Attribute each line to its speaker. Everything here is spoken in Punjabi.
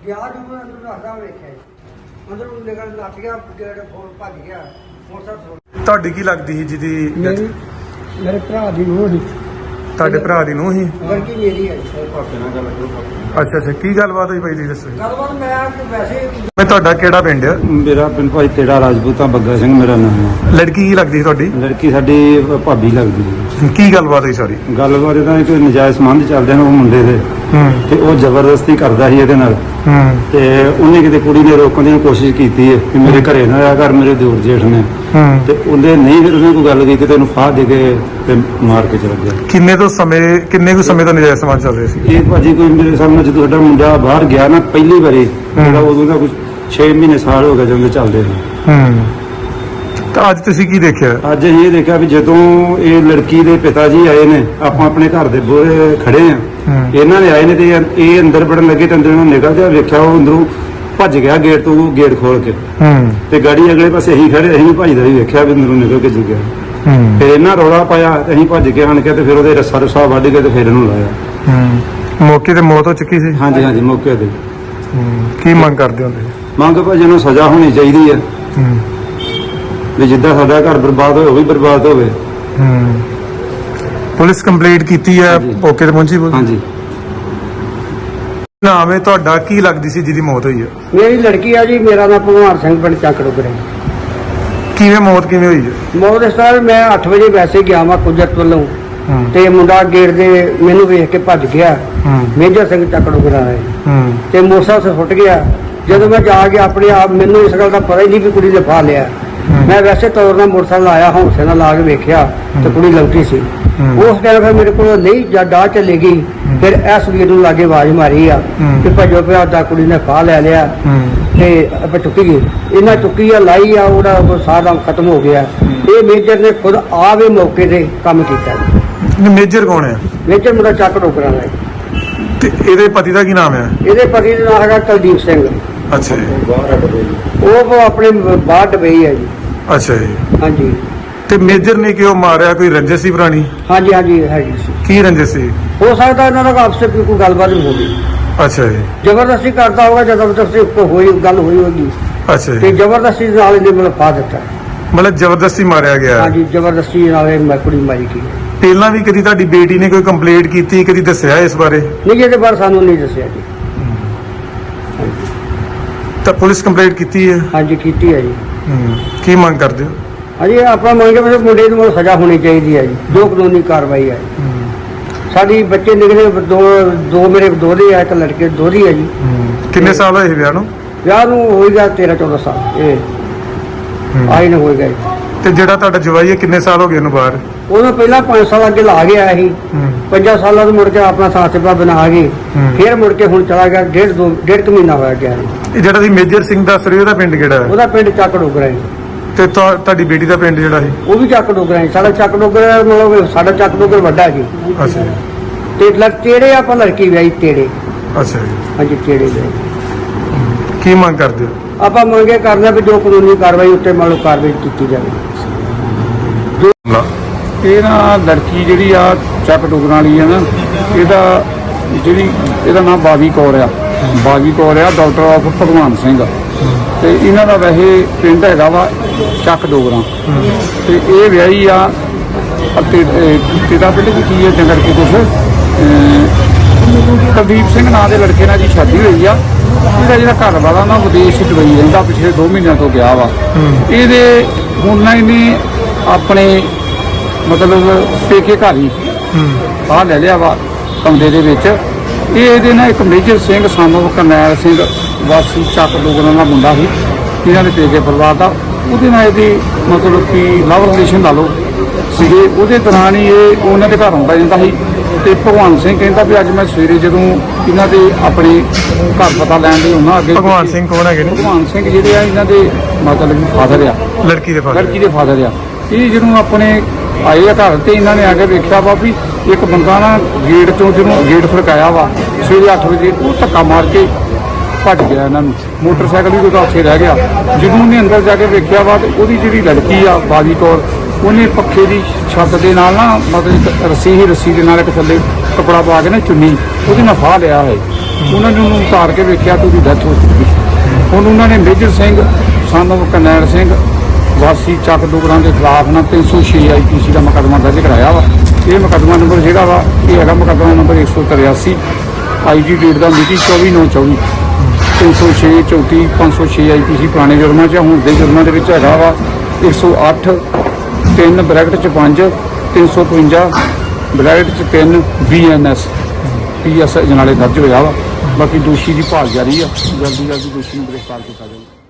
Speaker 1: ਗਿਆ ਜਦੋਂ ਅੰਦਰ ਰੱਖਦਾ ਵੇਖਿਆ ਅੰਦਰ ਨਿਕਲ ਲੱਗ ਗਿਆ ਗੇਟ ਫੋਨ ਭੱਜ ਗਿਆ ਮੋਟਰਸਾਈਕਲ।
Speaker 2: ਤੁਹਾਡੀ ਕੀ ਲੱਗਦੀ ਸੀ ਜਿਹਦੀ
Speaker 1: ਮੇਰੇ ਭਰਾ ਦੀ ਨੂੰਹ ਸੀ।
Speaker 2: ਤੁਹਾਡੇ ਭਰਾ ਦੀ ਨੂੰਹ ਸੀ?
Speaker 1: ਲੜਕੀ ਮੇਰੀ ਹੈ।
Speaker 2: ਅੱਛਾ ਅੱਛਾ, ਕੀ ਗੱਲਬਾਤ ਹੋਈ ਭਾਈ ਜੀ ਦੱਸੋ।
Speaker 1: ਗੱਲਬਾਤ ਮੈਂ ਵੈਸੇ
Speaker 2: ਮੈਂ ਤੁਹਾਡਾ ਕਿਹੜਾ ਪਿੰਡ ਆ?
Speaker 3: ਮੇਰਾ ਪਿੰਡ ਭਾਈ ਤੇੜਾ ਰਾਜਪੂਤਾਂ ਬੱਗਾ ਸਿੰਘ ਮੇਰਾ ਨਾਮ ਹੈ।
Speaker 2: ਲੜਕੀ ਕੀ ਲੱਗਦੀ ਸੀ ਤੁਹਾਡੀ?
Speaker 3: ਲੜਕੀ ਸਾਡੀ ਭਾਬੀ ਲੱਗਦੀ ਹੈ।
Speaker 2: ਕੀ ਗੱਲਬਾਤ ਹੋਈ ਸਾਰੀ?
Speaker 3: ਗੱਲਬਾਤ ਇਹਦਾ ਕੋਈ ਨਜਾਇਜ਼ ਸੰਬੰਧ ਚੱਲਦੇ ਨੇ ਉਹ ਮੁੰਡੇ ਦੇ, ਤੇ ਉਹ ਜ਼ਬਰਦਸਤੀ ਕਰਦਾ ਸੀ ਇਹਦੇ ਨਾਲ। ਤੇ ਉਹਨੇ ਕਿਤੇ ਕੁੜੀ ਨੇ ਰੋਕਣ ਦੀ ਕੋਸ਼ਿਸ਼ ਕੀਤੀ ਹੈ ਕਿ ਮੇਰੇ ਘਰੇ ਨਾ ਆਇਆ ਕਰ, ਮੇਰੇ ਦਿਓਰ ਜੇਠ ਨੇ। ਤੇ ਉਹਨੇ ਨਹੀਂ, ਫਿਰ ਉਹਨੇ ਕੋਈ ਗੱਲ ਕੀਤੀ ਤੇ ਉਹਨੂੰ ਫਾਹ ਦੇ ਕੇ ਤੇ ਮਾਰ ਕੇ ਚਲਾ ਗਿਆ।
Speaker 2: ਕਿੰਨੇ ਕੁ ਸਮੇਂ ਤੋਂ ਨਜਾਇਜ਼ ਸਮਾਜ ਚੱਲ ਰਿਹਾ ਸੀ
Speaker 3: ਇਹ ਭਾਜੀ ਕੋਈ ਮੇਰੇ ਸਾਹਮਣੇ ਜਦੋਂ ਸਾਡਾ ਮੁੰਡਾ ਬਾਹਰ ਗਿਆ ਨਾ ਪਹਿਲੀ ਵਾਰੀ, ਜਿਹੜਾ ਉਦੋਂ ਦਾ ਕੁਝ 6 ਮਹੀਨੇ ਸਾਲ ਹੋ ਗਏ ਜਦੋਂ ਚੱਲਦੇ ਸੀ।
Speaker 2: ਤਾਂ ਅੱਜ ਤੁਸੀਂ ਕੀ ਦੇਖਿਆ?
Speaker 3: ਅੱਜ ਅਸੀਂ ਇਹ ਦੇਖਿਆ ਵੀ ਜਦੋਂ ਇਹ ਲੜਕੀ ਦੇ ਪਿਤਾ ਜੀ ਆਏ ਨੇ, ਆਪਾਂ ਆਪਣੇ ਘਰ ਦੇ ਬੂਹੇ ਖੜੇ ਆ, ਇਹਨਾਂ ਨੇ ਆਏ ਨੇ ਤੇ ਇਹ ਅੰਦਰ ਵੜਨ ਲੱਗੇ ਤੇ ਅੰਦਰੋਂ ਨਿਕਲਦਿਆ ਵੇਖਿਆ ਉਹ ਅੰਦਰੋਂ ਭੱਜ ਗਿਆ ਗੇਟ ਤੋਂ, ਗੇਟ ਖੋਲ ਕੇ। ਤੇ ਗਾੜੀ ਅਗਲੇ ਪਾਸੇ ਅਸੀਂ ਖੜੇ, ਅਸੀਂ ਵੀ ਭੱਜਦਾ ਹੀ ਵੇਖਿਆ ਵੀ ਅੰਦਰੋਂ ਨਿਕਲ ਕੇ ਜੀ ਗਿਆ। ਫਿਰ ਇਹਨਾਂ ਰੌਲਾ ਪਾਇਆ ਤੇ ਅਸੀਂ ਭੱਜ ਕੇ ਆਣ ਕੇ ਤੇ ਫਿਰ ਉਹਦੇ ਰੱਸਾ ਰੁੱਸਾ ਵੱਢ ਕੇ ਤੇ ਫਿਰ ਇਹਨੂੰ ਲਾਇਆ।
Speaker 2: ਮੌਕੇ ਤੇ ਮੌਤ ਹੋ ਚੁੱਕੀ ਸੀ?
Speaker 3: ਹਾਂਜੀ ਹਾਂਜੀ, ਮੌਕੇ ਤੇ।
Speaker 2: ਕੀ ਮੰਗ ਕਰਦੇ ਹੋ ਤੁਸੀਂ?
Speaker 3: ਮੰਗ ਭਾਜੀ ਨੂੰ ਸਜ਼ਾ ਹੋਣੀ ਚਾਹੀਦੀ ਹੈ ਵੀ ਜਿੱਦਾਂ ਸਾਡਾ ਘਰ ਬਰਬਾਦ ਹੋਵੇ ਉਹ ਵੀ ਬਰਬਾਦ ਹੋਵੇ।
Speaker 2: ਪੁਲਿਸ ਕੰਪਲੇਂਟ ਕੀਤੀ ਹੈ? ਮੌਕੇ ਤੇ ਪਹੁੰਚੀ?
Speaker 3: ਹਾਂਜੀ।
Speaker 2: ਨਾਮ ਹੈ ਤੁਹਾਡਾ? ਕੀ ਲੱਗਦੀ ਸੀ ਜਿਹਦੀ ਮੌਤ ਹੋਈ ਹੈ?
Speaker 1: ਮੇਰੀ ਲੜਕੀ ਆ ਜੀ। ਮੇਰਾ ਨਾਮ ਭਗਵਾਨ ਸਿੰਘ ਪਿੰਡ ਚੱਕ ਡੁਗਰੇ।
Speaker 2: ਕਿਵੇਂ ਮੌਤ ਕਿਵੇਂ ਹੋਈ ਹੈ?
Speaker 1: ਮੌਤ ਇਸ ਤਰ੍ਹਾਂ ਮੈਂ 8 ਵਜੇ ਵੈਸੇ ਗਿਆ ਵਾਂ ਕੁਦਰਤ ਵੱਲੋਂ, ਤੇ ਮੁੰਡਾ ਗੇਟ ਦੇ ਮੈਨੂੰ ਵੇਖ ਕੇ ਭੱਜ ਗਿਆ। ਮੇਜਰ ਸਿੰਘ ਚੱਕ ਡੁਗਰਾ ਹੈ ਤੇ ਮੋਟਰਸਾਈਕਲ ਸੁੱਟ ਗਿਆ। ਜਦੋਂ ਮੈਂ ਜਾ ਕੇ ਆਪਣੇ ਆਪ, ਮੈਨੂੰ ਇਸ ਗੱਲ ਦਾ ਪਤਾ ਹੀ ਨਹੀਂ ਵੀ ਕੁੜੀ ਨੇ ਫਾ ਲਿਆ। ਮੈਂ ਵੈਸੇ ਤੌਰ ਨਾਲ ਮੋਟਰਸਾਈਕਲ ਆਇਆ, ਹੌਂਸੇ ਨਾਲ ਲਾ ਕੇ ਵੇਖਿਆ ਤੇ ਕੁੜੀ ਲੰਕੀ ਸੀ। ਉਸ ਟਾਈਮ ਫਿਰ ਮੇਰੇ ਕੋਲ ਨਹੀਂ ਡਾਹ ਚਲੇ ਗਈ। ਫਿਰ ਇਸ ਵੀਰ ਨੂੰ ਲਾਗੇ ਆਵਾਜ਼ ਮਾਰੀ ਆ ਕਿ ਭੱਜੋ ਪਿਆ ਦਾ ਕੁੜੀ ਨੇ ਫਾਹ ਲੈ ਲਿਆ ਤੇ ਆਪਾਂ ਚੁੱਕੀ ਗਈ। ਇਹਨਾਂ ਚੁੱਕੀ ਆ, ਲਾਈ ਆ, ਉਹਦਾ ਸਾਰਾ ਖਤਮ ਹੋ ਗਿਆ। ਇਹ ਮੇਜਰ ਨੇ ਖੁਦ ਆਵੇ ਮੌਕੇ ਤੇ ਕੰਮ ਕੀਤਾ।
Speaker 2: ਮੇਜਰ ਕੌਣ ਹੈ?
Speaker 1: ਮੇਜਰ ਮੁੰਡਾ ਚੱਕ ਡੋਕਰਾਂ ਦਾ।
Speaker 2: ਤੇ ਇਹਦੇ ਪਤੀ ਦਾ ਕੀ ਨਾਮ ਹੈ?
Speaker 1: ਇਹਦੇ ਪਤੀ ਦਾ ਨਾਮ ਹੈਗਾ ਕੁਲਦੀਪ ਸਿੰਘ।
Speaker 2: ਅੱਛਾ ਜੀ।
Speaker 1: ਉਹ ਆਪਣੇ ਬਾਹਰ ਡਬਈ ਹੈ ਜੀ।
Speaker 2: ਅੱਛਾ ਜੀ।
Speaker 1: ਹਾਂਜੀ।
Speaker 2: ਤੇ ਮੇਜਰ ਨੇ ਕਿਉਂ ਮਾਰਿਆ? ਕੋਈ ਰੰਜਿਸ਼ ਸੀ ਪੁਰਾਣੀ?
Speaker 1: ਹਾਂਜੀ ਹਾਂਜੀ ਹੈਗੀ ਸੀ।
Speaker 2: ਕੀ ਰੰਜਿਸ਼ ਸੀ?
Speaker 1: ਹੋ ਸਕਦਾ ਇਹਨਾਂ ਦਾ ਆਪਸ ਵਿੱਚ ਕੋਈ ਗੱਲਬਾਤ ਵੀ ਹੋ ਗਈ।
Speaker 2: ਅੱਛਾ ਜੀ।
Speaker 1: ਜ਼ਬਰਦਸਤੀ ਕਰਦਾ ਹੋਗਾ, ਜ਼ਬਰਦਸਤੀ ਕੋਈ ਗੱਲ ਹੋਈ ਹੋਗੀ
Speaker 2: ਅੱਛਾ
Speaker 1: ਤੇ
Speaker 2: ਜੀ।
Speaker 1: ਜ਼ਬਰਦਸਤੀ ਨਾਲ ਇਹਨੇ ਮਤਲਬ ਫਾ ਦਿੱਤਾ।
Speaker 2: ਮਤਲਬ ਜ਼ਬਰਦਸਤੀ ਮਾਰਿਆ ਗਿਆ?
Speaker 1: ਹਾਂਜੀ, ਜ਼ਬਰਦਸਤੀ ਨਾਲ ਇਹ ਕੁੜੀ ਮਾਰੀ ਗਈ।
Speaker 2: ਪਹਿਲਾਂ ਵੀ ਕਦੀ ਤੁਹਾਡੀ ਬੇਟੀ ਨੇ ਕੋਈ ਕੰਪਲੇਂਟ ਕੀਤੀ, ਕਦੀ ਦੱਸਿਆ ਇਸ ਬਾਰੇ?
Speaker 1: ਨਹੀਂ, ਇਹਦੇ ਬਾਰੇ ਸਾਨੂੰ ਨਹੀਂ ਦੱਸਿਆ ਜੀ।
Speaker 2: ਤਾਂ ਪੁਲਿਸ ਕੰਪਲੇਂਟ ਕੀਤੀ ਹੈ?
Speaker 1: ਹਾਂਜੀ ਕੀਤੀ ਹੈ ਜੀ।
Speaker 2: ਕੀ ਮੰਗ ਕਰਦੇ ਹੋ?
Speaker 1: ਹਾਂਜੀ, ਆਪਾਂ ਮੰਗੇ ਵੀ ਮੁੰਡੇ ਨੂੰ ਸਜ਼ਾ ਹੋਣੀ ਚਾਹੀਦੀ ਹੈ ਜੀ, ਜੋ ਕਾਨੂੰਨੀ ਕਾਰਵਾਈ ਹੈ। ਸਾਡੀ ਬੱਚੇ ਨਿਕਲੇ ਦੋ ਮੇਰੇ ਦੋਹਰੇ ਆ, ਇੱਕ ਲੜਕੇ ਦੋਹਰੀ ਹੈ ਜੀ।
Speaker 2: ਕਿੰਨੇ ਸਾਲ ਹੋਏ ਵਿਆਹ ਨੂੰ?
Speaker 1: ਵਿਆਹ ਨੂੰ ਹੋਏਗਾ 13-14 ਸਾਲ। ਇਹ ਆਈ ਨਾ ਹੋਏਗਾ ਜੀ।
Speaker 2: ਤੇ ਜਿਹੜਾ ਤੁਹਾਡਾ ਜਵਾਈ ਹੈ ਕਿੰਨੇ ਸਾਲ ਹੋ ਗਏ ਉਹਨੂੰ ਬਾਹਰ?
Speaker 1: ਉਹਨੂੰ ਪਹਿਲਾਂ 5 ਸਾਲ ਅੱਗੇ ਲਾ ਗਿਆ ਸੀ। 5 ਸਾਲਾਂ ਤੋਂ ਮੁੜ ਕੇ ਆਪਣਾ ਸਾਥ-ਸਿਪਾ ਬਣਾ ਕੇ ਫਿਰ ਮੁੜ ਕੇ ਹੁਣ ਚਲਾ ਗਿਆ। ਡੇਢ ਕੁ ਮਹੀਨਾ ਹੋਇਆ ਗਿਆ।
Speaker 2: ਇਹ ਜਿਹੜਾ ਦੀ ਮੇਜਰ ਸਿੰਘ ਦੱਸ ਰਹੇ ਉਹਦਾ ਪਿੰਡ ਕਿਹੜਾ ਹੈ?
Speaker 1: ਉਹਦਾ ਪਿੰਡ ਚੱਕ ਡੋਗਰਾ ਹੈ।
Speaker 2: ਤੇ ਤੁਹਾਡੀ ਬੇਟੀ ਦਾ ਪਿੰਡ ਜਿਹੜਾ ਹੈ?
Speaker 1: ਉਹ ਵੀ ਚੱਕ ਡੋਗਰਾ ਹੈ। ਸਾਡਾ ਚੱਕ ਡੋਗਰਾ ਮਤਲਬ ਸਾਡਾ ਚੱਕ ਡੋਗਰ ਵੱਡਾ ਜੀ।
Speaker 2: ਅੱਛਾ ਜੀ।
Speaker 1: ਤੇ ਤੇੜੇ ਆਪਾਂ ਲੜਕੀ ਵਿਆਹੀ ਤੇੜੇ।
Speaker 2: ਅੱਛਾ ਜੀ।
Speaker 1: ਹਾਂਜੀ, ਤੇੜੇ ਵਿਆਹੀ।
Speaker 2: ਕੀ ਮੰਗ ਕਰਦੇ ਹੋ?
Speaker 1: ਆਪਾਂ ਮੰਗੇ ਕਰਨਾ ਵੀ ਜੋ ਕਾਨੂੰਨੀ ਕਾਰਵਾਈ ਉੱਤੇ ਮੰਨ ਲਓ ਕਾਰਵਾਈ ਕੀਤੀ ਜਾਵੇ।
Speaker 4: ਇਹ ਨਾ ਲੜਕੀ ਜਿਹੜੀ ਆ ਚੱਕ ਡੁਗਰਾਂ ਵਾਲੀ ਆ ਨਾ, ਇਹਦਾ ਨਾਮ ਬਾਗੀ ਕੌਰ ਆ। ਬਾਗੀ ਕੌਰ ਆ, ਡਾਕਟਰ ਆਫ ਭਗਵਾਨ ਸਿੰਘ। ਤੇ ਇਹਨਾਂ ਦਾ ਵੈਸੇ ਪਿੰਡ ਹੈਗਾ ਵਾ ਚੱਕ ਡੋਗਰਾਂ। ਤੇ ਇਹ ਵਿਆਹੀ ਆ ਤੇਰਾ ਪਿੰਡ ਕੀ ਹੈ ਜੰਗਲ ਕੇ ਕੁਛ ਕੁਲਦੀਪ ਸਿੰਘ ਨਾਂ ਦੇ ਲੜਕੇ ਨਾਲ ਜੀ ਸ਼ਾਦੀ ਹੋਈ ਆ। ਇਹਦਾ ਜਿਹੜਾ ਘਰ ਵਾਲਾ ਨਾ ਵਿਦੇਸ਼ ਦੁਬਈ ਰਹਿੰਦਾ, ਪਿਛਲੇ 2 ਮਹੀਨਿਆਂ ਤੋਂ ਗਿਆ ਵਾ। ਇਹਦੇ ਹੁਣ ਨਾ ਇਹਨੇ ਆਪਣੇ ਮਤਲਬ ਪੇਕੇ ਘਰ ਹੀ ਬਾਹਰ ਲੈ ਲਿਆ ਵਾ ਕਮਰੇ ਦੇ ਵਿੱਚ। ਇਹਦੇ ਨਾਲ ਇੱਕ ਮੇਜਰ ਸਿੰਘ ਸਾਨੂੰ ਕਰਨੈਲ ਸਿੰਘ ਵਾਸੀ ਚੱਕ ਡੋਗਰਾਂ ਦਾ ਮੁੰਡਾ ਸੀ, ਇਹਨਾਂ ਦੇ ਪੇਕੇ ਪਰਿਵਾਰ ਦਾ। ਉਹਦੇ ਨਾਲ ਇਹਦੀ ਮਤਲਬ ਕਿ ਲਵ ਰਿਲੇਸ਼ਨ ਲਾ ਲਓ ਸੀਗੇ। ਉਹਦੇ ਦੌਰਾਨ ਹੀ ਇਹ ਉਹਨਾਂ ਦੇ ਘਰ ਆਉਂਦਾ ਜਾਂਦਾ ਸੀ। ਤੇ ਭਗਵਾਨ ਸਿੰਘ ਕਹਿੰਦਾ ਵੀ ਅੱਜ ਮੈਂ ਸਵੇਰੇ ਜਦੋਂ ਇਹਨਾਂ ਦੇ ਆਪਣੇ ਘਰ ਪਤਾ ਲੈਣ ਲਈ ਉਹਨਾਂ ਅੱਗੇ।
Speaker 2: ਭਗਵਾਨ ਸਿੰਘ ਕੌਣ ਹੈਗੇ ਨੇ?
Speaker 4: ਭਗਵਾਨ ਸਿੰਘ ਜਿਹੜੇ ਆ ਇਹਨਾਂ ਦੇ ਮਤਲਬ ਫਾਦਰ ਆ,
Speaker 2: ਲੜਕੀ ਦੇ
Speaker 4: ਫਾਦਰ ਆ। ਇਹ ਜਦੋਂ ਆਪਣੇ ਆਏ ਆ ਘਰ ਤੇ ਇਹਨਾਂ ਨੇ ਆ ਕੇ ਵੇਖਿਆ ਵਾ ਵੀ ਇੱਕ ਬੰਦਾ ਨਾ ਗੇਟ ਤੋਂ ਜਿਹਨੂੰ ਗੇਟ ਖੜਕਾਇਆ ਵਾ ਸਵੇਰੇ 8 ਵਜੇ, ਉਹ ਧੱਕਾ ਮਾਰ ਕੇ ਭੱਜ ਗਿਆ। ਇਹਨਾਂ ਨੂੰ ਮੋਟਰਸਾਈਕਲ ਵੀ ਉਹਦਾ ਉੱਥੇ ਰਹਿ ਗਿਆ। ਜਦੋਂ ਉਹਨੇ ਅੰਦਰ ਜਾ ਕੇ ਵੇਖਿਆ ਵਾ ਤੇ ਉਹਦੀ ਜਿਹੜੀ ਲੜਕੀ ਆ ਬਾਗੀ ਕੌਰ, ਉਹਨੇ ਪੱਖੇ ਦੀ ਛੱਤ ਦੇ ਨਾਲ ਨਾ ਮਤਲਬ ਰੱਸੀ ਦੇ ਨਾਲ ਇੱਕ ਥੱਲੇ ਕੱਪੜਾ ਪਾ ਕੇ ਨਾ ਚੁੰਨੀ ਉਹਦੇ ਨਾਲ ਫਾਹ ਲਿਆ ਹੈ। ਉਹਨਾਂ ਨੇ ਉਹਨੂੰ ਉਤਾਰ ਕੇ ਵੇਖਿਆ ਤੇ ਉਹਦੀ ਡੈਥ ਹੋ ਚੁੱਕੀ। ਹੁਣ ਉਹਨਾਂ ਨੇ ਮੇਜਰ ਸਿੰਘ son of ਕਰਨੈਲ ਸਿੰਘ ਵਾਸੀ ਚੱਕ ਡੋਗਰਾਂ ਦੇ ਖਿਲਾਫ ਨਾ 306 IPC ਦਾ ਮੁਕੱਦਮਾ ਦਰਜ ਕਰਾਇਆ ਵਾ। ਇਹ ਮੁਕੱਦਮਾ ਨੰਬਰ ਜਿਹੜਾ ਵਾ ਇਹ ਹੈਗਾ ਮੁਕੱਦਮਾ ਨੰਬਰ 183 IG ਡੇਟ ਦਾ ਮਿਤੀ 24/9/24 306 34 506 IPC ਪੁਰਾਣੇ ਜੁਰਮਾਂ 'ਚ। ਹੁਣ ਦੇ ਜੁਰਮਾਂ ਦੇ ਵਿੱਚ ਹੈਗਾ ਵਾ 108 3 ਬ੍ਰੈਕਟ 'ਚ 5 355 ਬ੍ਰੈਕਟ 'ਚ 3 BNS PS ਅਜਨਾਲੇ ਦਰਜ ਹੋਇਆ ਵਾ। ਬਾਕੀ ਦੋਸ਼ੀ ਦੀ ਭਾਲ ਜਾਰੀ ਆ, ਜਲਦੀ ਦੋਸ਼ੀ ਨੂੰ ਗ੍ਰਿਫਤਾਰ ਕੀਤਾ ਜਾਵੇ।